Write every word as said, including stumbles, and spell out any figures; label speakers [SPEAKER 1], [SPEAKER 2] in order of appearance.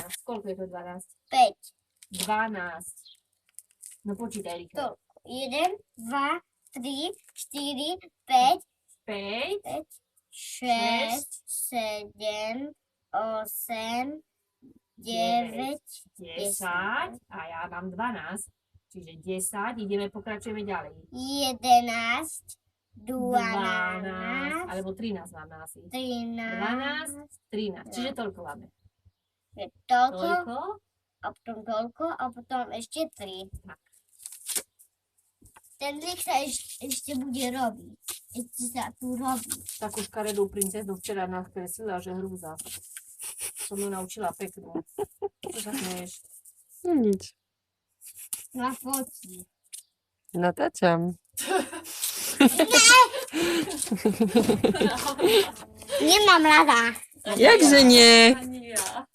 [SPEAKER 1] dvanásť. Koľko je to dvanásť?
[SPEAKER 2] päť.
[SPEAKER 1] dvanásť. No počítaj rýchlo.
[SPEAKER 2] To jeden, dva, tri, štyri, päť,
[SPEAKER 1] päť,
[SPEAKER 2] päť, šesť, sedem, osem, deväť,
[SPEAKER 1] desať. A ja mám dvanásť. Čiže desať. Ideme, pokračujeme ďalej.
[SPEAKER 2] jedenásť,
[SPEAKER 1] dvanásť.
[SPEAKER 2] dvanásť,
[SPEAKER 1] Alebo trinásť máme asi.
[SPEAKER 2] trinásť,
[SPEAKER 1] dvanásť, trinásť. Čiže toľko máme.
[SPEAKER 2] je toľko,
[SPEAKER 1] Toľko.
[SPEAKER 2] a potom toľko, a potom ešte tri.
[SPEAKER 1] Tak.
[SPEAKER 2] Ten trik sa eš, ešte bude robiť. Ešte sa tu robí.
[SPEAKER 1] Takú škaredú princeznu včera nakreslila, že hrúza. Som ju naučila peknú. Čo sa smeješ?
[SPEAKER 3] Nič.
[SPEAKER 2] Na fotí.
[SPEAKER 3] Natáčam.
[SPEAKER 2] Nemám rada.
[SPEAKER 3] Jakže nie?
[SPEAKER 1] Ani ja.